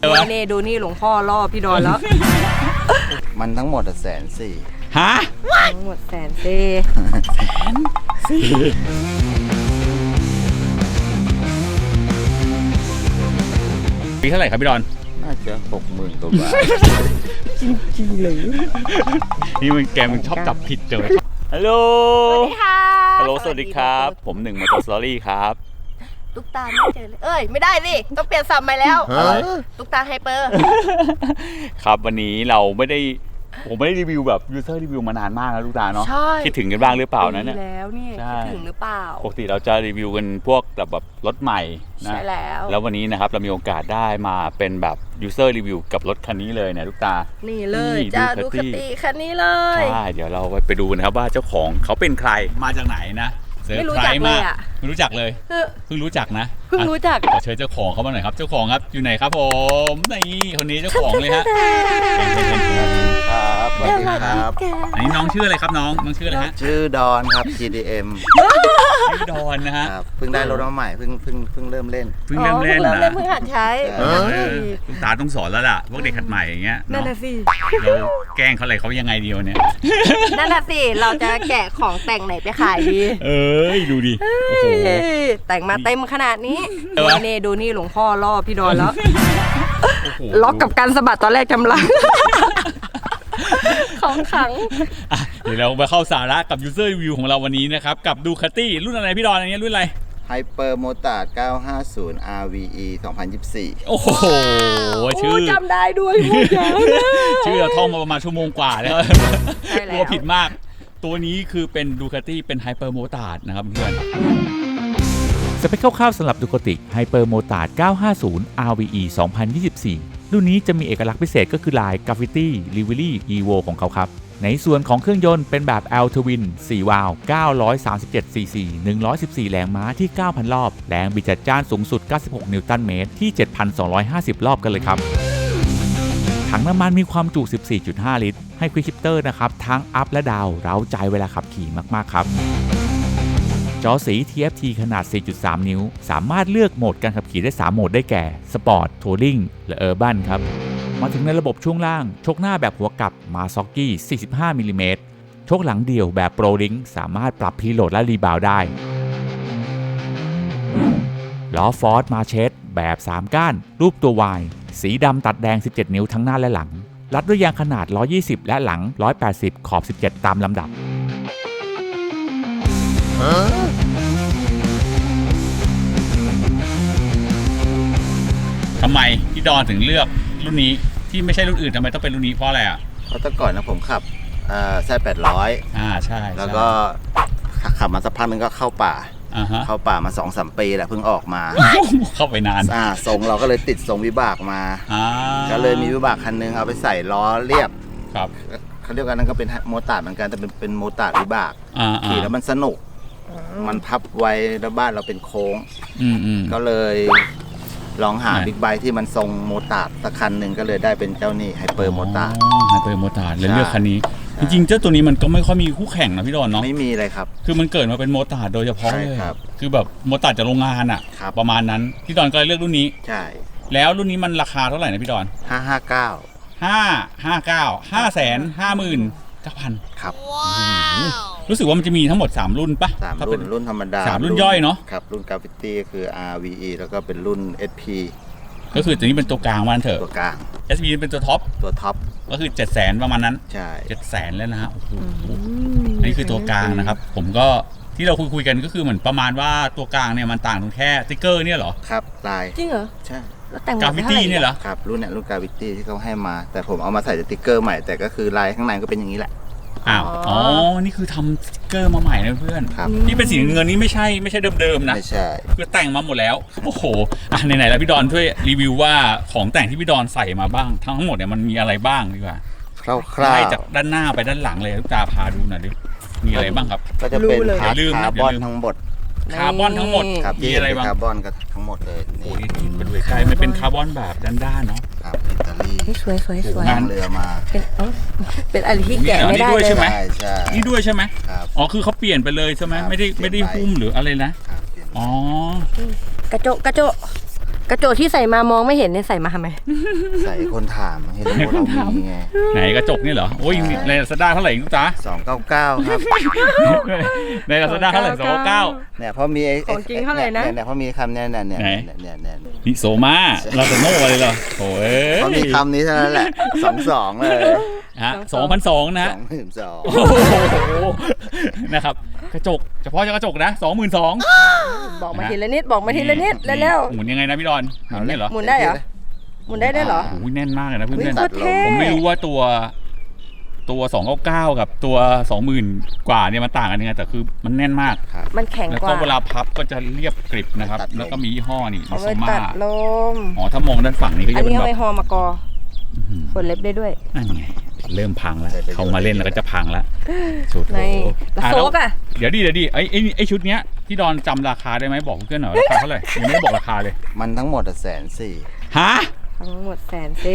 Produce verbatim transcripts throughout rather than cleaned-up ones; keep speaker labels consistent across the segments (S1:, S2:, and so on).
S1: นี่ดูนี่หลวงพ่อล่อพี่ดอนแล้ว
S2: มันทั้งหมดแสนสี่
S3: ฮะ
S1: ทั้งหมดแสนสี่
S3: แสนสี่ปีเท่าไหร่ครับพี่ดอน
S2: น่าจะหกหมื่นกว่าบาท
S1: จริงๆเลย
S3: นี่มันแกมันชอบจับผิดเจอฮัลโหล
S1: สวัสดีค่ะ
S3: ฮัลโหลสวัสดีครับผมหนึ่งมอเตอร์สตอรี่ครับ
S1: ตุ๊กตาไม่เจอเลยเอ้ยไม่ได้สิต้องเปลี่ยนสับใหม่แล้วตุ๊กตาไฮเปอร์
S3: ครับวันนี้เราไม่ได้ผมไม่ได้รีวิวแบบยูเซอร์รีวิวมานานมากแล้วลูกตาเนาะคิดถึงกันบ้างหรือเปล่านะเนี่ย
S1: แล้วนี่คิดถึงหรือเปล่า
S3: ปกติเราจะรีวิวกันพวกแบบแบบรถใหม่นะ
S1: ใช่แล้ว
S3: แล้ววันนี้นะครับเรามีโอกาสได้มาเป็นแบบยูเซอร์รีวิวกับรถคันนี้เลยเนี่ยลูกตา
S1: นี่เลยจ้าดูคติคันนี้เลย
S3: ใช่เดี๋ยวเราไปดูนะครับว่าเจ้าของเขาเป็นใครมาจากไหนนะ
S1: ไม่รู้จักเลยอ่ะ
S3: ไม่รู้จักเลยเพิ่งรู้จักนะ
S1: เพิ่งรู้จัก
S3: ขอเชิญเจ้าของเขามาหน่อยครับเจ้าของครับอยู่ไหนครับผมนี่คนนี้เจ้าของเลยฮะ
S2: ครับสวัสดีครับ
S3: อันนี้น้องชื่ออะไรครับน้องน้องชื่ออะไรฮะ
S2: ชื่อดอนครับ ที ดี เอ็ม
S3: ชื่อดอนนะฮะ
S2: เพิ่งได้รถมาใหม่เพิ่งเพิ่งเพิ่งเริ่มเล่น
S3: เพิ่งเริ่มเล่นนะ
S1: เพิ่งหัดใช้
S3: คุณตาต้องสอนแล้วล่ะพวกเด็กหัดใหม่อย่างเงี้ย
S1: นั่นแหละสิ
S3: เราแกล้งเขาอะไรเขายังไงเดียวเนี่ย
S1: นั่นแหละสิเราจะแกะของแต่งไหนไปขายดี
S3: เอ้ยดูดิโอ้โห
S1: แต่งมาเต็มขนาดนี้นี่ดูนี่หลวงพ่อล่อพี่ดอนแล้วล็อกกับการสะบัดตอนแรกกำลังของขัง
S3: เดี๋ยวเราไปเข้าสาระกับ User Review ของเราวันนี้นะครับกับดูคาตี้รุ่นอะไรพี่ดอนอันนี้รุ่นอะไร
S2: Hyper Motard เก้าห้าศูนย์ อาร์ วี อี สองพันยี่สิบสี่
S3: โอ้โหชื่อ
S1: จำได้ด้วย
S3: ชื่อเราท่องมาประมาณชั่วโมงกว่าแล้วกลัวผิดมากตัวนี้คือเป็นดูคาตี้เป็น Hyper Motard นะครับเพื่อนสเปคคร่าวๆสำหรับดูคาติ Hyper Motard เก้าห้าศูนย์ อาร์ วี อี สองพันยี่สิบสี่รุ่นนี้จะมีเอกลักษณ์พิเศษก็คือลาย Graffiti Livery Evo ของเขาครับในส่วนของเครื่องยนต์เป็นแบบ L Twin สี่วาล์วเก้าร้อยสามสิบเจ็ดซีซีหนึ่งร้อยสิบสี่แรงม้าที่ เก้าพัน รอบแรงบิดจัดจ้านสูงสุดเก้าสิบหกนิวตันเมตรที่ เจ็ดพันสองร้อยห้าสิบ รอบกันเลยครับถังน้ำมันมีความจุ สิบสี่จุดห้า ลิตรให้ควิกชิปเตอร์นะครับทั้งอัพและดาวน์เร้าใจเวลาขับขี่มากๆครับจอสี ที เอฟ ที ขนาด สี่จุดสาม นิ้วสามารถเลือกโหมดการขับขี่ได้สามโหมดได้แก่สปอร์ตทัวริงและเออร์บันครับมาถึงในระบบช่วงล่างโชคหน้าแบบหัวกลับมาซ็อกกี้ สี่สิบห้ามิลลิเมตรโชคหลังเดี่ยวแบบโปรลิงสามารถปรับพีโหลดและรีบาวได้ล้อฟอร์ดมาเชสแบบสามก้านรูปตัว Y สีดำตัดแดงสิบเจ็ดนิ้วทั้งหน้าและหลังรัดด้วยยางขนาดหนึ่งร้อยยี่สิบและหลังหนึ่งร้อยแปดสิบขอบสิบเจ็ดตามลำดับทำไมพี่ดอนถึงเลือกรุ่นนี้ที่ไม่ใช่รุ่นอื่นทำไมต้องเป็นรุ่นนี้เพราะอะไรอ่ะ
S2: เพราะแต่ก่อนนะผมขับอ่าแซดแปดร้อย
S3: อ่าใช่
S2: แล้วก็ขับมาสักพักนึงก็เข้าป่าเข้าป่ามา สองสาม ปีแหละเพิ่งออกมา
S3: เข้าไปนาน
S2: อ่าทรงเราก็เลยติดทรงวิบากมาก็เลยมีวิบากคันนึงเอาไปใส่ล้อเรียบ
S3: ครับ
S2: เขาเรียกกันนั่นก็เป็นโมตาร์ดเหมือนกันแต่เป็นเป็นโมตาร์ดวิบากขี่แล้วมันสนุกมันพับไว้แล้วบ้านเราเป็นโค้งก็เลยลองหาบิ๊กไบค์ที่มันทรงโมตาร์ดสักคันหนึ่งก็เลยได้เป็นเจ้านี่ไฮเปอร์โมตาร์ด
S3: ไฮเปอร์โมตาร์ดเลยเลือกคันนี้จริงๆเจ้าตัวนี้มันก็ไม่ค่อยมีคู่แข่งนะพี่ดอนเนาะ
S2: ไม่มีเลยครับ
S3: คือมันเกิดมาเป็นโมตาร์ดโดยเฉพาะเลยคือแบบโมตาร์ดจากโรงงานอ่ะประมาณนั้นพี่ดอนก็เลยเลือกรุ่นนี้
S2: ใช่
S3: แล้วรุ่นนี้มันราคาเท่าไหร่นะพี่ดอน
S2: ห้าห้าเก้า
S3: ห้าห้าเก้าห้าแสนห้าหมื่นเก้าพัน
S2: ครับ
S3: รู้สึกว่ามันจะมีทั้งหมดสามรุ่นปะ
S2: สามรุ่นรุ่นธรรมดา
S3: สามรุ่นย่อยเนาะ
S2: ครับรุ่น Graffiti คือ อาร์ วี อี แล้วก็เป็นรุ่น เอส พี
S3: ก็คือตัวนี้เป็นตัวกลางมันเถอะ
S2: ตัวกลาง
S3: เอส พี เป็นตัวท็อป
S2: ตัวท็อป
S3: ก็คือ เจ็ดแสน ประมาณนั้น
S2: ใช่
S3: เจ็ดแสนแล้วนะฮะโอ้โหอันนี้คือตัวกลางนะครับผมก็ที่เราคุยคุยกันก็คือเหมือนประมาณว่าตัวกลางเนี่ยมันต่างตรงแค่สติ๊กเกอร์เนี่ยเหรอ
S2: ครับลาย
S1: จริงเหรอ
S2: ใช่
S3: กราฟิตี้เนี่ยเหรอ
S2: ครับรุ่นเนี่ยรุ่นกราฟิตี้ที่เขาให้มาแต่ผมเอามาใส่สติ๊กเกอร์ใหม่แต่ก็คือลายข้างในก็เป็นอย่างนี้แหละ
S3: อ้าวอ๋อนี่คือทำสติ๊กเกอร์มาใหม่นะเพื่อนที่เป็นสีเงินนี่ไม่ใช่ไม่ใช่เดิมๆนะ
S2: ไม่ใช่
S3: คือแต่งมาหมดแล้วโอ้โหอ่ะไหนๆแล้วพี่ดอนช่วยรีวิวว่าของแต่งที่พี่ดอนใส่มาบ้างทั้งหมดเนี่ยมันมีอะไรบ้างดีกว่า
S2: คร่าว
S3: ๆจากด้านหน้าไปด้านหลังเลยลูกตาพาดูหน่อยดิมีอะไรบ้างครับ
S2: ก็จะเป็นคาร์บอนทั้งหมด
S3: คาร์บอนทั้งหมด
S2: มีอะไรบ้างคาร์บอนก็ทั้งหมดเลย
S3: โอ้ยเป็นเวกายมันเป็นคาร์บอนแบบด้านๆเนาะ
S2: ครับอิตาลี
S1: สวยสวยสวย
S2: งานเรือมา
S1: เป็นเป็นอะไรที่แกะไม่ได้เลย
S3: ใช่ไหม
S2: ใช่
S3: นี่ด้วยใช่ไหมอ๋อคือเขาเปลี่ยนไปเลยใช่ไหมไม่ได้ไม่ได้หุ้มหรืออะไรนะอ๋อก
S1: ระจกกระจกกระจกที่ใส่มามองไม่เห็นเนี่ยใส่มาทำไม
S2: ใส่คนถามเห็นว่าเรามีไง
S3: ไหนกระจกนี่เหรอโอ้ยในลาซาด้าเท่าไหร่ลูกจ๊ะ
S2: สองเก้าเก้าครับ
S3: ในลาซาด้าเท่าไหร่สองเก้า
S2: เนี่ยเพราะมีไอ้
S1: ของจริงเท่าไหร่นะ
S2: เนี่ยเพราะมีคำเนี่ยเนี่ยเนี่ย
S3: ไหน
S2: เนี่ยเนี่ยเนี่ย
S3: นิโซมาเราจะโง่อะไรเหรอโอ้ย
S2: เพราะมีคำนี้เท่านั้นแหละสองสองเลย
S3: ฮะสองพันสองนะ
S2: สองหมื่นสอง
S3: โอ้โหนะครับกระจกเฉพาะกระจกนะสองหมื่นสอง
S1: บอกมาทีละนิดบอกมาทีละนิดเร็ว
S3: หมุนยังไงนะพี่ดอนหมุนนี่เหรอ
S1: ๆหมุนได้เหรอหมุนได้ด้วยเหรอ
S3: โอ้ยแน่นมากเลยนะเพื่อน
S1: โคตรเท่
S3: ๆผมไม่รู้ว่าตัวตัวสองเก้าเก้ากับตัวสองหมื่นกว่าเนี่ยมันต่างกันยังไงแต่คือมันแน่นมาก
S1: มันแข็ง
S3: แล้ว
S1: ก
S3: ก็
S1: ว่า
S3: เวลาพับก็จะเรียบกริบนะครับแล้วก็มียี่ห้อนี่
S1: เอา
S3: มิโซ
S1: ไว้
S3: มา
S1: ตัดลม
S3: อ๋อถ้ามองด้านฝั่งนี้ก็
S1: อั
S3: จะ
S1: น
S3: เป็น
S1: นี้เอา
S3: แบ
S1: ไว้
S3: บ
S1: หอมากอ
S3: อื้อหือ
S1: ฝนเล็บได้ด้วย
S3: นั่นไงเริ่มพังแล้วเขามาเล่นแล้วก็จะพังแล้วสุด
S1: ใน
S3: โอ้
S1: แล้ว
S3: อ่ะ
S1: โซ
S3: แล้ว
S1: กอ่ะ
S3: เดี๋ยวดิเดี๋ยวดิไอ้ไอ้ไอ้ชุดเนี้ยที่ดอนจำราคาได้ไหมบอกเพื่อนหน่อยราคาเท่าไหร่ยังไม่ได้บอกราคาเลย
S2: มันทั้งหมดแสนสี่
S3: ฮะ
S1: ทั้งหมดแสนเซ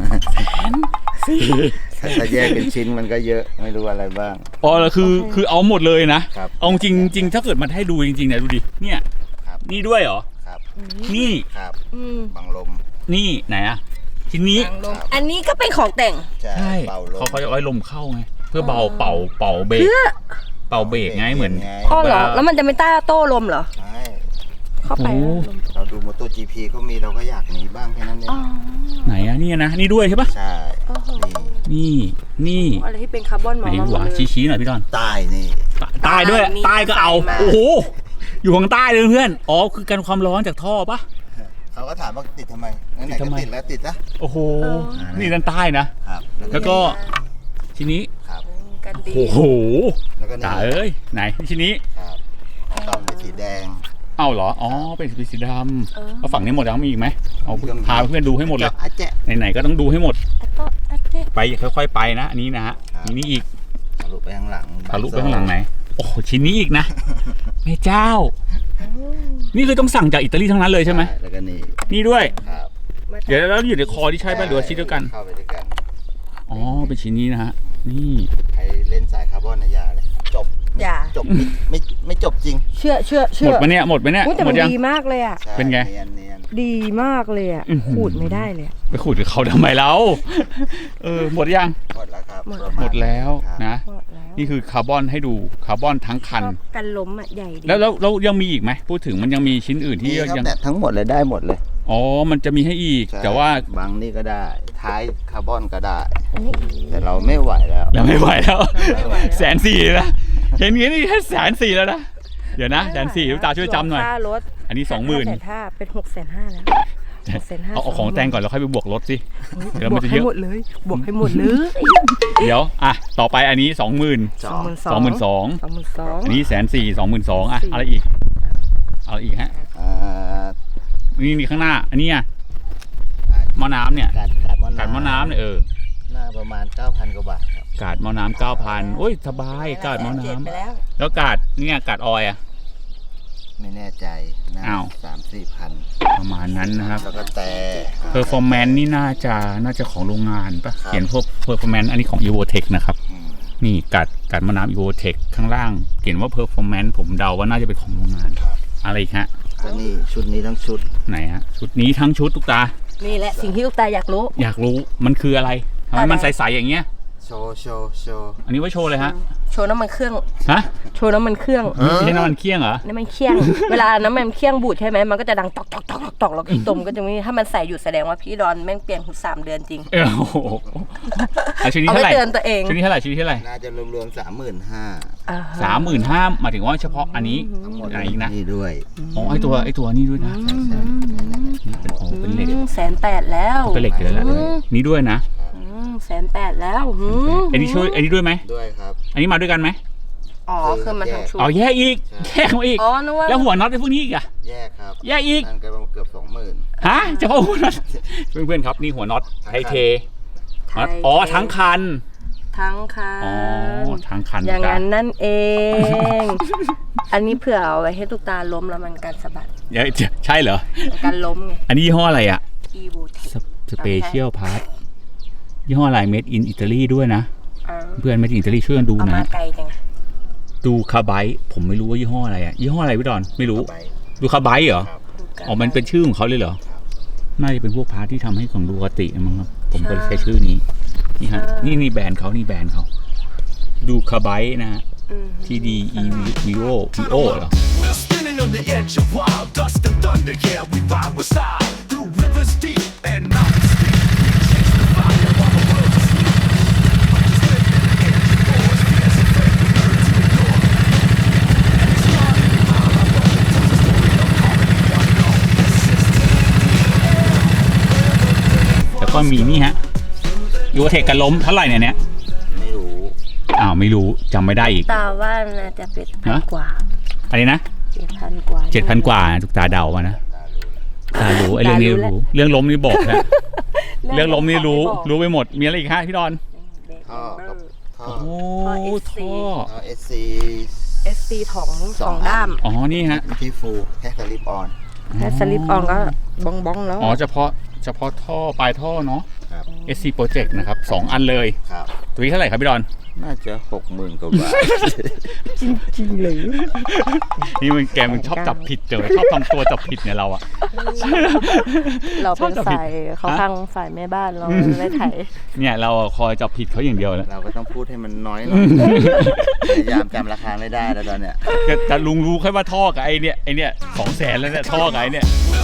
S2: ถ้าแยกเป็นชิ้นมันก็เยอะไม่รู้อะไรบ้าง
S3: อ๋อแล้วคือคือเอาหมดเลยนะครับ เอาจริงจริงถ้าเกิดมันให้ดูจริงๆเนี่ยดูดิเนี่ย
S2: ครับ
S3: นี่ด้วยเหรอ
S2: ครับ
S3: นี่
S2: ครับ
S1: อืม
S2: บังลม
S3: นี่ไหนอะชิ้นนี้
S1: ทางลมอันนี้ก็เป็นของแต่ง
S2: ใช่
S3: ใช่
S2: เป่าลม
S3: เขาเขาจะเอาไว้ลมเข้าไงเพื่อเบาเป่าเป่าเบรก
S1: เพื่อ
S3: เป่าเบรกไงเหมือน
S1: อ๋อเหรอแล้วมันจะไม่ต้าโต้ลมเหรอ
S2: ใช่
S1: เข้าไป
S3: โอ้
S2: เราดูมอเตอร์จีพีเขามีเราก็อยากมีบ้างแค่นั้นเอง
S1: อ๋อ
S3: ไหนอะนี่นะนี่ด้วยใช่ปะ
S2: ใช่
S1: โอ้โห
S2: นี่
S3: นี่นี่
S1: อะไรที่เป็นคาร์บอนหม
S3: ไห
S1: อน มาหม
S3: หัว
S1: ดเลย
S3: ชี้ๆหน่อยพี่ดอน
S2: ใต้นี่
S3: ใต้ด้วย
S1: มี
S3: ใต้ก็เอา
S1: ใส่มา
S3: โอ้โหอยู่ข้างใต้เลยเพื่อนอ๋อคือกันความร้อนจากท่อปะ
S2: เขาก็ถามว่าติดทำไมนั่นไหน
S3: ติด
S2: ก็
S3: ทำไม
S2: ติดแล้วติดนะ
S3: โอ้โหนี่ด้านใต้นะครับ แล้วก็ชิ้นนี้
S2: ครับ
S1: กันดี
S3: โอ้โห
S2: แล้วก็นี่
S3: จ๋าเอ้ยไหนชิ้นนี้
S2: ครับกล่องเป็นสีแดง
S3: เอ้าเหรออ๋อเป็นสีดำ
S1: เออ
S3: แล้วฝั่งนี้หมดแล้วมีอีกไหมเอาพาเพื่อนดูให้หมดเลย
S2: อาแจะ
S3: ไหนๆก็ต้องดูให้หมด
S1: อัตโตอัตเต้
S3: ไปค่อยๆไปนะอันนี้นะฮะ
S2: ครับ
S3: มีนี่อีก
S2: ทะลุไปข้างหลัง
S3: ทะลุไปข้างหลังไหนโอ้โหชิ้นนี้อีกนะแม่เจ้า นี่คือต้องสั่งจากอิตาลีทั้งนั้นเลยใช่ไหม
S2: แล้วก็นี่
S3: นี่ด้วย
S2: ครับ
S3: เดี๋ยวแล้วอยู่ในคอที่ใช่ป่ะหรือว่าชิ้นเดียวกัน
S2: เข้าไปด้วยกัน
S3: อ๋อเป็นชิ้นนี้นะฮะนี่
S2: ใครเล่นสายคาร์บอนนะอย่าเลยจบ
S1: อย่า
S2: จบไม่ไม่ไม่จบจริง
S1: เชื่อเชื่อ
S3: ห
S1: เชื่
S3: ม
S1: อ
S3: ดปะเนี่ยหมดปะเนี่ย
S1: อุ๊ยแต่
S3: หม
S1: มั
S3: ด
S1: น
S3: ยัง
S1: ดีมากเลยอ่ะ
S2: ใช่
S3: เป็นไง
S2: เนียนเนียน
S1: ดีมากเลยอ่ะ
S3: อื้อหือ
S1: ขูดไม่ได้เลยอะ
S3: ไปขุดกับเขาทำไมแล้วเออหมดยัง
S2: หมดแล้วครับ
S1: หมด
S2: ประาณ
S3: หมดแล้ว
S2: ครับ
S3: นะ
S1: หมดแล้ว
S3: นี่คือคาร์บอนให้ดูคาร์บอนทั้งคัน
S1: กันล้มอ่ะใหญ่ดี
S3: แล้วแล้วแล้วยังมีอีกไหมพูดถึงมันยังมีชิ้นอื่นที่
S2: นี่ครับ
S3: ยัง
S2: เนี่ยทั้งหมดเลยได้หมดเลย
S3: อ๋อมันจะมีให้อีก
S2: ใช่
S3: แต่ว่า
S2: บางนี่ก็ได้ ท้ายคาร์บอนก็ได้
S1: อันนี้
S2: แต่เราไม่ไหวแล้ว
S3: เราไม่ไหวแล้ว
S1: ไม่ไหวแล้ว
S3: แสนสี่นะเห็นอย่างนี้นี่แค่แสนสี่แล้วนะเดี๋ยวนะแสนสี่ลูกตาช่วยจำหน่อย
S1: ค่ารถ
S3: อันนี้สองหมื่น
S1: แสนห้าเป็นหกแสนห้าแล้วหกแสนห้า
S3: เอาเอาของแต่งก่อนแล้วค่อยไปบวกรถสิเดี๋ยว
S1: บ
S3: มั
S1: วน ก
S3: จะเย
S1: ให้
S3: อะ
S1: หมดเลยบวกให้หมดเลย
S3: เดี๋ยวอ่ะต่อไปอันนี้สองหมื่น
S2: ส
S1: ส
S2: อ
S1: อง
S2: ง
S1: หมื่นส
S3: ส
S1: อ
S3: อง งหมื่นสอง
S1: สองหมื่นสอง
S3: อันนี้แสนสี่สองหมื่นสองอ่ะ
S1: สี่
S3: อะไรอีกอะไรอีกฮะ
S2: อ่า
S3: นี่นี่ข้างหน้า อันนี้อ่ะ
S2: อ่า
S3: หม้อน้ำเนี่ย
S2: กาดกาดหม้อน้ำ
S3: กาดหม้อน้ำเนี่ยเออ
S2: หน้าประมาณ เก้าพัน กว่าบาทครับ
S3: กาดหม้อน้ำเก้าพันโอ้ยสบายกาดหม้อน้
S1: เจ็ดไปแล้ว
S3: ำแล้วกาดเนี่ยกาดออยล์อ่ะ
S2: ไม่แน่ใจนะ
S3: อ้าว
S2: สามสี่พัน
S3: ประมาณนั้นนะครับ
S2: แล้วก็แต่
S3: เพอร์ฟอร์แมนซ์นี่น่าจะน่าจะของโรงงานปะ
S2: ครับ
S3: เขียนพวกเพอร์ฟอร์แมนซ์อันนี้ของ Evotech นะครับ
S2: อืม
S3: นี่กัดกัดมะนาว Evotech ข้างล่างเขียนว่า performance ผมเดาว่าน่าจะเป็นของโรงงาน อะไรอีกฮะ
S2: ก็นี่ชุดนี้ทั้งชุด
S3: ไหนฮะ ชุดนี้ทั้งชุดทุกตา
S1: นี่แหละสิ่งที่ลูกตาอยากรู้
S3: อยากรู้มันคืออะไรทำไม
S1: อะไร
S3: มันใสๆอย่างเงี้ย
S2: โชว์โชว์โชว์
S3: อันนี้ไว้โชว์เลยฮะ
S1: โชว์น้ำมันเครื่อง
S3: ฮะ
S1: โชว์น้ำมันเครื่อง
S3: ไม่ใช่น้ำมันเคี่ยงเหรอ
S1: น้ำมันเคี่ยง เวลาน้ำมันเคี่ยงบูดใช่ไหมมันก็จะดังตอกตอกตอกตอกตอกแล้วก็อีตมก็จะมีถ้ามันใส่อยู่แสดงว่าพี่ดอนแม่งเปลี่ยนหูสามเดือนจริง
S3: เออโอ้โหอ่ะชุดนี้
S1: เอา
S3: เท่า
S1: ไป
S3: ไหร่
S1: เตือนตัวเอง
S3: ชุดนี้เท่าไหร่ชุดนี้เท่าไหร่
S2: น่าจะรวมๆสามหมื่นห้า
S1: อ่าฮะ
S3: สามหมื่นห้าหมายถึงว่าเฉพาะอันนี้
S2: ทั้งหมด
S3: อะไรอีกนะ
S2: นี่ด้วย
S3: อ๋อไอตัวไอตัวนี้ด้วยนะนี่เป็นโอ้เป็นเหล็ก
S1: อืมแสนแปดแล้ว
S3: เป็นเหล็กอยู่แล้วแหละนี่ด้วยนะ
S1: อืมแสนแปดแล้วอืม
S3: อันนี้ช่วยอันนี้ด้วยไหม
S2: ด้วยครับ
S3: อันนี้มาด้วยกันไหม
S1: อ๋อคือมันทั้งชุด
S3: เอาแยกอีกแยกมาอีก
S1: อ๋อนึกว่า
S3: แล้วหัวน็อตไอ้พวกนี้อีกอะ
S2: แยกครับ
S3: แยกอีก
S2: นั่นก็เกือบสองหมื่น
S3: ฮะเฉพาะหัวน็อตเพื่อนๆครับนี่หัวน็อตไทเท
S1: ไทย
S3: อ๋อทั้งคัน
S1: ทั้งคั
S3: อ๋อน ทั้งคัน
S1: อย่าง
S3: จ้ะ
S1: นั้นนั่นเอง อันนี้เผื่อเอาไว้ให้ตุกตาล้มแล้วมันการสะบัด
S3: เดี๋ยวใช่เหรอ
S1: การล้มไง
S3: อันนี้ยี่ห้ออะไรอะ
S1: Evotech
S3: สเปเชียลพาร์ทยี่ห้ออะไร made in Italy ด้วยนะ
S1: เอา
S3: เพื่อน made in Italy ช่วยกันดู
S1: เอามา
S3: นะ
S1: ไกลจัง
S3: ดูคาไบต์ผมไม่รู้ว่ายี่ห้ออะไรอะยี่ห้ออะไรพี่ดอนไม่รู้
S2: ไป
S3: ดูคาไบต์เหรอ
S2: ครับ
S1: ดูกัน
S3: อ๋อมันเป็นชื่อของเขาเลยเหรอน่าจะเป็นพวกพาร์ทที่ทำให้ของดูคติมั้งครับผมก็เลยใช้ชื่อนี้นี่ฮะนี่นี่แบรนด์เขานี่แบรนด์เขาดูคาไบนะฮะ ที ดี อี วี โอ พี โอ เหรอแล้วก็มีนี่ฮะยูเทคกันล้มเท่าไหร่เนี่ยเนี่ย
S2: ไม่รู้
S3: อ้าวไม่รู้จำไม่ได้อีก
S1: ตาว่าน่าจะเป็นพันกว่า
S3: อะไรนะ
S1: เจ็ดพันกว่า
S3: เจ็ดพันกว่าทุกตาเดามานะตารู้ไอ้เรื่องนี้รู้เรื่องล้มนี่บอกนะเรื่องล้มนี่รู้รู้ไปหมดมีอะไรอีกฮะพี่ดอน
S2: ท่อกับท่อ
S3: โอ้ท่อ
S2: ท่อ เอส ซี
S1: เอส ซี ถองสองด้าม
S3: อ๋อนี่ฮะ
S2: ที่ฟูแค่สลิปออน
S1: แค่สลิปออนก็บ้องบ้องๆแล้ว
S3: อ๋อเฉพาะเฉพาะท่อปลายท่อเนาะ
S2: ครับ
S3: เอส ซี Project นะครับสองอันเลย
S2: ครับ
S3: ตัวนี้เท่าไหร่ครับพี่ดอน
S2: น่าจะหกหมื่นกว่าบาท
S1: จริงๆเลย
S3: นี่มันแกมันชอบจับผิดเจอชอบทำตัวจับผิดเนี่ยเราอะ
S1: เราเป็นฝ่ายเขาข้างฝ่ายแม่บ้านเราไม่ไถ
S3: เนี่ยเราคอยจับผิดเขาอย่างเดียวแหละ
S2: เราก็ต้องพูดให้มันน้อยหน่อยพยายามจำราคาไม่ได้แล้วตอนเนี้ย
S3: แต่แต่ลุงรู้แค่ว่าท่อกับไอเนี่ยไอเนี่ยสองแสนแล้วเนี่ยท่อกับไอเนี่ย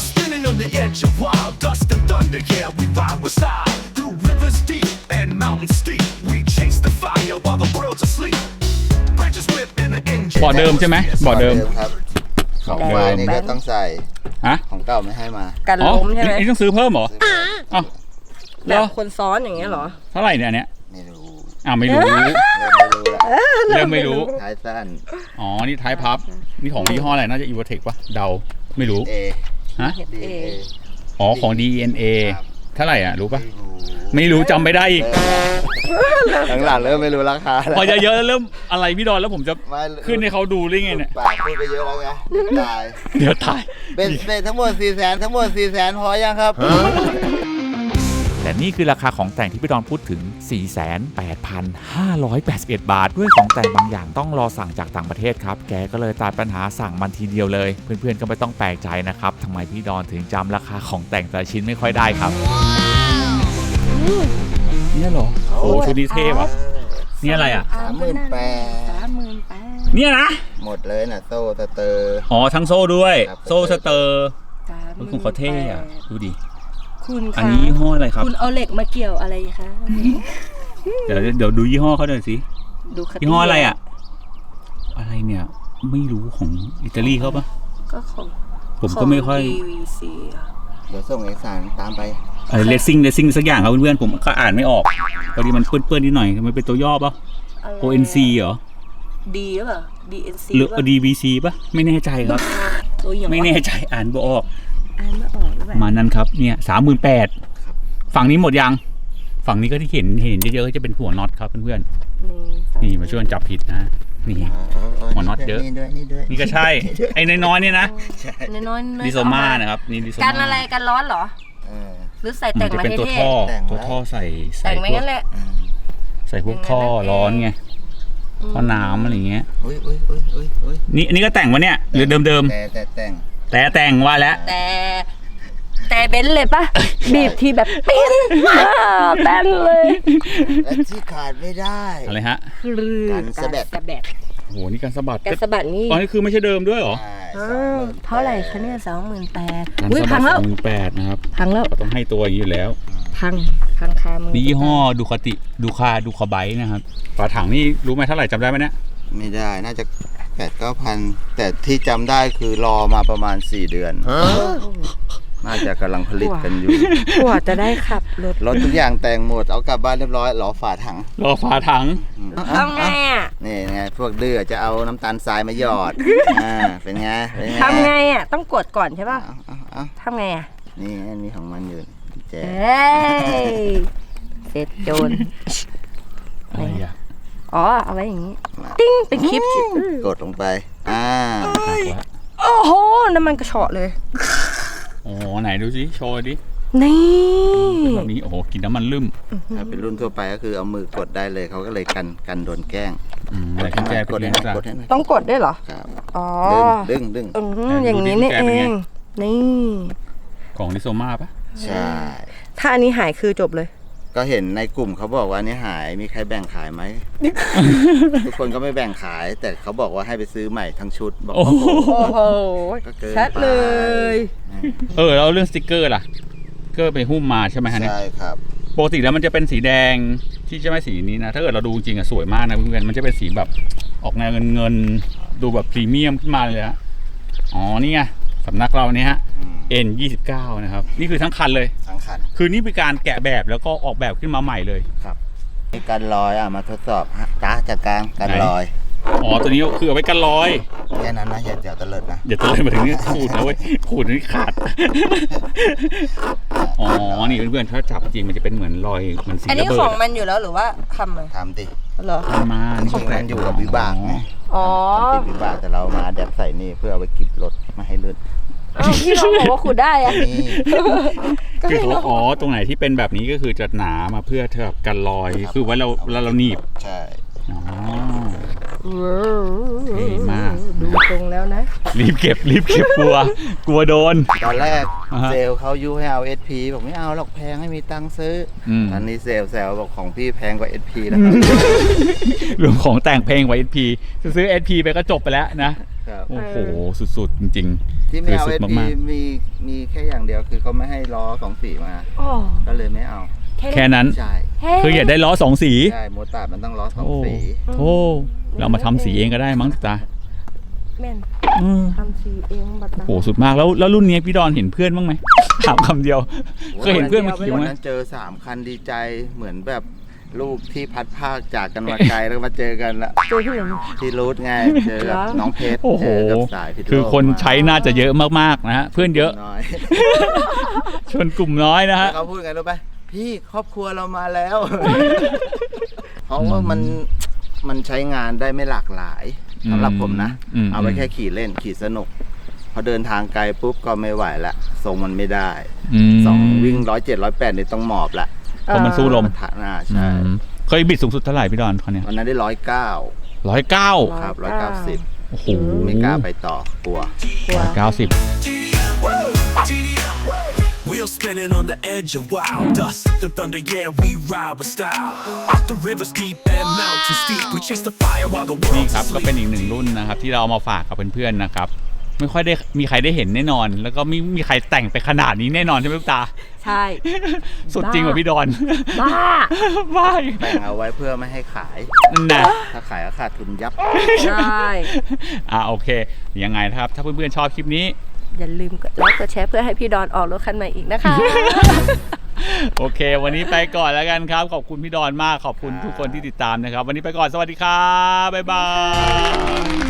S4: On the edge of wild dust and thunder, yeah, we ride with style. Through rivers deep and mountains steep, we chase the fire while the world's asleep. Branches whip in the engine.
S3: บ่อเดิมใช่ไหมบ่อเดิม
S2: ครับของไฟนี่ก็ต้องใส่
S3: ฮะ
S2: ของเก่าไม่ให้มา
S1: กัน
S3: อ๋อ
S1: ล้มใช่ไหม
S3: ไอ้ต้องซื้อเพิ่มเหรออ้าว
S1: แบ
S3: เหร
S1: บ
S3: อ
S1: คนซ้อนอย่างเงี้ยเหรอ
S3: เท่าไหร่เนี่ยอันเนี้ย
S2: ไม่รู้
S3: อ้าวไม่รู้
S2: เริ่มไม่รู้ละ
S3: เริ่มไม่รู้
S2: ท้ายสั้น
S3: อ๋อนี่ท้ายพับนี่ของยี่ห้ออะไรน่าจะอีโวเทคปะเดาไม่รู้
S2: เอ
S3: ฮะ
S2: ดีเอ
S3: อ๋อของ ดี เอ็น เอ
S2: ครับ
S3: เท่าไหร่อ่ะรู้ปะ
S2: ไม่รู้
S3: ไม่รู้จำไม่ได้อีก
S2: หลังๆเริ่มไม่รู้ราคาแล้ว
S3: พอเยอะๆแล้วเริ่มอะไรพี่ดอนแล้วผมจะ
S2: ไม่
S3: ขึ้นให้เขาดูได้ไงเนี่ย
S2: ปากพูดไปเยอะแล้วไงเดี๋ยวตาย
S3: เดี๋ยวตาย
S2: เป็นเป็นทั้งหมดสี่แสนทั้งหมดสี่แสนพอยังครับ
S5: แต่นี่คือราคาของแต่งที่พี่ดอนพูดถึง สี่แสนแปดพันห้าร้อยแปดสิบเอ็ด บาท ด้วยของแต่งบางอย่างต้องรอสั่งจากต่างประเทศครับ แกก็เลยตัดปัญหาสั่งมันทีเดียวเลย เพื่อนๆก็ไม่ต้องแปลกใจนะครับทำไมพี่ดอนถึงจำราคาของแต่งแต่ละชิ้นไม่ค่อยได้ครับ
S3: เนี่ยเหรอโอ้ชุดนี้เท่ว่ะนี่อะไรอ่ะ
S2: สามหมื่นแปด
S1: สามหมื่นแปด
S3: เนี่ยนะ
S2: หมดเลยน่ะโซ่สเตอร์
S3: อ๋อทั้งโซ่ด้วย
S2: ครับ
S3: โซ่สเตอร์
S1: สามห
S3: มัน
S1: มื่น
S3: ของเขาเท่อะดูดิ
S1: คุณคะ
S3: อันนี้ยี่ห้ออะไรครับ
S1: คุณเอาเหล็กมาเกี่ยวอะไรคะ
S3: เดี๋ยวเดี๋ยวดูยี่ห้อเขาหน่อยสิ
S1: ดูคติ
S3: ยี่ห้ออะไรอ่ะ อะไรเนี่ย ไม่รู้ของอิตาลีเขาปะ
S1: ก็ของ
S3: ผมก็ไม่ค่อย
S1: ของ ดี วี ซี อะ
S2: เดี๋ยวส่งเอกสารตามไป
S3: อะไรเลสซิ่งเลสซิ่งสักอย่างครับเพื่อนๆผมก็อ่านไม่ออกพอดีมันเปื้อนๆนิดหน่อยมันเป็นตัวย่อปะ
S1: อะไร
S3: โอ เอ็น ซี เหรอ
S1: ดีหรือเปล่า ดี เอ็น ซี
S3: หรือ
S1: ป่ะ
S3: ดี บี ซี ปะไม่แน่ใจครับ
S1: ตัวอย่าง
S3: ไม่แน่ใจอ่านบ่ออก
S1: อ่านไม่ออกหรือเป
S3: ป
S1: ล่า
S3: ระมาณนั้นครับเนี่ยสามหมื่นแปดฝั่งนี้หมดยังฝั่งนี้ก็ที่เห็นเห็นเยอะๆจะเป็นหัวน็อตครับเพื่อนๆนี่มาช่วยกันจับผิดนะนี่ หัวน็อตเยอะ
S2: นี่ด้วยนี่ด้วย
S3: นี่ก็ใช่ ไอ้น้อยๆเนี่ยนะ
S2: ใช่
S1: น้อยๆ
S3: ดิโซมานะครับนี่ดิโซมา
S1: กันอะไรกันร้อนเหรอ
S2: เออ
S1: หรือใส่
S3: มั
S1: แต่
S3: น
S1: ง
S3: จะ
S1: มา
S3: เป็น
S1: ให้
S3: ตัว
S1: เท่
S3: ท่อ
S2: แต่งไว้
S3: ตัวท่อใส่ใส่
S1: แต่งมา
S3: พว
S1: งั้
S3: ก
S1: นแหละ
S2: อืม
S3: ใส่พวกท่อร้อนไงท่อน้ำอะไรเงี้ย
S2: อุ้ยอุ้ยอุ้ยอุ้ยอุ้ย
S3: นี่อันนี้ก็แต่งวะเนี่ยหรือเดิม
S2: แต่แต่แต่ง
S3: ๆแต่แต่งว่าแล้ว
S1: แต่ แต่เบนซ์เลยปะบีบทีแบบปิ้นอ่าแป้นเลย
S2: และที่ขาดไม่ได้
S3: อะไรฮะ
S1: คือ
S2: กันสะบัด
S1: สะบัด
S3: โอ้โหนี่การสะบัด
S1: การสะบัดนี่
S3: ตอนนี้คือไม่ใช่เดิมด้วยเหรอ
S2: ใช่
S1: อ้า
S2: สองห
S1: ว
S2: มื่น
S1: เท่าไหร่คะเนี่ยสองหมื่นแปด
S3: การ
S1: อุ้ย
S3: สะ
S1: พั
S3: บัด
S1: งแล้ว
S3: สองหมื่นแปดนะครับ
S1: พังแล้ว
S3: ก็ต้องให้ตัวอย่างนี้อยู่แล้ว
S1: พังพังคามือ
S3: นี่ยี่ห้อดูคาติดูคาดูคาไบต์นะครับฝาถังนี่รู้ไหมเท่าไหร่จำได้ไหมเนี่ย
S2: ไม่ได้น่าจะแปดเก้าพันแต่ที่จำได้คือรอมาประมาณสี่เดือน น่าจะกำลังผลิตกันอยู่
S1: กว่าจะได้ขับรถ
S2: รถทุกอย่างแต่งหมดเอากลับบ้านเรียบร้อยรอฝาถัง
S3: รอฝาถัง
S1: ทำไงอ่ะ
S2: นี่ไงพวกดื้อจะเอาน้ำตาลทรายมาหยอด อ่าเป็นไงเป็นไง
S1: ทำไงอ่ะต้องกดก่อนใช่ป่ะ
S2: เอาเอาเอา
S1: ทำไงอ่ะ
S2: นี่ไงมีของมันอยู่แจ
S1: เอ้ยเสร็จโจร
S3: อะไรอ่ะ
S1: อ๋อเอาไว้อย่างนี้ติ้งเป็นคลิป
S2: กดลงไปอ่า
S3: หักละ
S1: โอ้โหน้ำมันกระเฉาะเลย
S3: โอ้โหไหนดูสิโชว์ดิ
S1: นี่
S3: เป็นแบบนี้โอ้โหกินน้ำมันลืม
S2: ถ้าเป็นรุ่นทั่วไปก็คือเอามือกดได้เลยเขาก็เลยกันกันโดนแกล้ง
S3: อืมอะไรกุญแจ
S2: ก
S3: เป็น
S2: ด
S3: ไง
S2: ให้หน่อย
S3: จ้ะ
S2: กดให้หน่อย
S1: ต้องกดด้วยเหรอ
S2: ครับ
S1: อ๋อ
S2: ดึงดึงดึง
S1: อืมอย่างนี้นี่เอง นี่
S3: ของลิโซมาปะ
S2: ใช่
S1: ถ้าอันนี้หายคือจบเลย
S2: ก็เห็นในกลุ่มเขาบอกว่านี่หายมีใครแบ่งขายไหม ทุกคนก็ไม่แบ่งขาย แต่เขาบอกว่าให้ไปซื้อใหม่ทั้งชุดบอก
S3: โอ้
S2: ว่า
S3: โห
S1: โอ้โห
S2: ก็เกิน
S1: ชัดเลย
S3: เออแล้วเรื่องสติกเกอร์ล่ะก็ไปหุ้มมาใช่ไหมฮะเนี่ย
S2: ใช่ครับ
S3: ปกติแล้วมันจะเป็นสีแดงที่จะไม่สีนี้นะถ้าเกิดเราดูจริงอะสวยมากนะเพื่อนๆมันจะเป็นสีแบบออกแนวเงินเงินๆดูแบบพรีเมียมขึ้นมาเลยฮะอ๋อนี่ไงสำนักเราเนี่ยฮะ
S2: อืม
S3: เอ็น ยี่สิบเก้า นะครับนี่คือทั้งคันเลย
S2: ทั้งคัน
S3: คือนี่เป็นการแกะแบบแล้วก็ออกแบบขึ้นมาใหม่เลย
S2: ครับมีการลอยอ่ะมาทดสอบฮะจ้าจากกลางการลอย
S3: อ๋อตัวนี้คือเอาไว้กันรอย
S2: แค่นั้นนะอย่าอย่าตะเลิดนะ
S3: อย่าตะเลยมาถึงนี่ขูดนะเว้ยขูดนี่ขาดอ๋อนี่เพื่อนๆถ้าจับจริงมันจะเป็นเหมือนรอยเหมือนสี
S1: อัน
S3: ระ
S1: นี้
S3: เบิ
S1: ของ
S3: ด
S1: มันอยู่แล้วหรือว่าทำเลย
S2: ทำดิ
S1: เหรอ
S3: มันมา
S2: จริงๆมันอยู่กับวิบากไง
S1: อ๋อ
S2: ติดวิบากแต่เรามาแดบใส่นี่เพื่อเอาไปกิบรถไมาให้ลื่น
S1: อ้าวพี่น้องบอกว่าขุดได้อะ
S2: นี่
S3: คือเขาอ๋อตรงไหนที่เป็นแบบนี้ก็คือจะหนามาเพื่อเธอกันรอยคือไว้เราเราเราหนีบ
S2: ใช่
S3: อ๋อ เท่มาก
S1: ดูตรงแล้วนะ
S3: รีบเก็บรีบเก็บกลัว กลัวโดน
S2: ตอนแรก
S3: อ่าฮะ
S2: เซลลเขายุให้เอา เอส พี บอกไม่เอาหรอกแพงให้มีตังค์ซื้ออ
S3: ม
S2: อันนี้เซลลแซวบอกของพี่แพงกว่า เอส พี นะครับ
S3: รวมของแต่งเพลงไว้ เอส พี จะซื้อ เอส พี ไปก็จบไปแล้วนะ
S2: ครับ
S3: โอ้โห สุดๆ จริง
S2: ที่ไม่เอา
S3: คือ
S2: เอ
S3: สุ
S2: ส
S3: ด
S2: พี
S3: มาก
S2: มีมีแค่อย่างเดียวคือเขาไม่ให้ล้อสองสีมา
S1: อ๋อ
S2: ก็เลยไม่เอา
S3: ๆ แค่นั้น
S2: ใช่
S3: คืออยากได้ล้อสองสี
S2: ใช่โมตาร์ดมันต้องล้อสอง
S3: โอ้
S2: สี
S3: โธ่เรามาทำสีเองก็ได้มั้งตา
S1: แม่น
S3: อืม
S1: ทำสีเองบัดนั้น
S3: โอ้โหสุดมากแล้วแล้วรุ่นนี้พี่ดอนเห็นเพื่อนบ้างไหมถามคำเดียว เคยเห็นเพื่อนมาขี่
S2: วัน
S3: ไหม
S2: นั้นเจอสามคันดีใจเหมือนแบบลูกที่พัดภาคจากกันมาไกลแล้วมาเจอกันละ
S1: เจอที่ไหน
S2: ที่รูทไงเจอกับ
S1: เหรอ
S2: น้องเพชร
S3: โอ้โห
S2: เจอกับสายพิษโลก
S3: คือคน
S2: มา
S3: ใช้น่าจะเยอะมากๆนะฮะเพื่อนเยอะ
S2: น้อย
S3: ชนกลุ่มน้อยนะฮะ
S2: เขาพูดไงรู้ไหมพี่ครอบครัวเรามาแล้ว เพราะว่ามันมันใช้งานได้ไม่หลากหลายสำหรับผมนะ
S3: อืม
S2: เอาไว้แค่ขี่เล่นขี่สนุก พอเดินทางไกลปุ๊บก็ไม่ไหวละทรงมันไม่ได้
S3: ม
S2: สองวิ่งร้อยเจ็ดร้อยแปดเนี่ยต้องหมอบละ
S3: เพราะมันสู้ลม
S2: ฐานะ
S3: อื
S2: ใช่
S3: มเคยบิดสูงสุดเท่าไหร่พี่ดอนคนเนี้ย
S2: วันนั้นได้ร้อยเก้า
S3: ร้อยเก้า
S2: ครับร้อยเก้าสิบ
S3: โอ้โห
S2: ไม่กล้าไปต่อกลัว
S3: ร้อยเก้าสิบ
S4: Wheels spinning on the edge of wild dust. The thunder, yeah, we ride with style. The rivers deep and mountains steep. We chase the fire while the
S3: นี่
S4: world's
S3: ครับก็เป็น
S4: asleep.
S3: อีกหนึ่งรุ่นนะครับที่เราเอามาฝากกับเพื่อนๆนะครับไม่ค่อยได้มีใครได้เห็นแน่นอน แล้วก็ไม่มีใครแต่งไปขนาดนี้แน่นอนใช่ไหมลูกตา
S1: ใช่
S3: สุดจริงกว่าพี่ดอน
S1: บ้า
S3: บ้า
S2: แต่งเอาไว้เพื่อไม่ให้ขาย
S3: นั่นนะ
S2: ถ้าขายก็ขาดทุนยับ
S1: ใช่
S3: อ่าโอเคยังไงนะครับถ้าเพื่อนๆชอบคลิปนี้
S1: อย่าลืมกดไลค์กดแชร์เพื่อให้พี่ดอนออกรถคันใหม่อีกนะคะ
S3: โอเค วันนี้ไปก่อนแล้วกันครับ ขอบคุณพี่ดอนมาก ขอบคุณทุกคนที่ติดตามนะครับ วันนี้ไปก่อน สวัสดีครับ บ๊ายบาย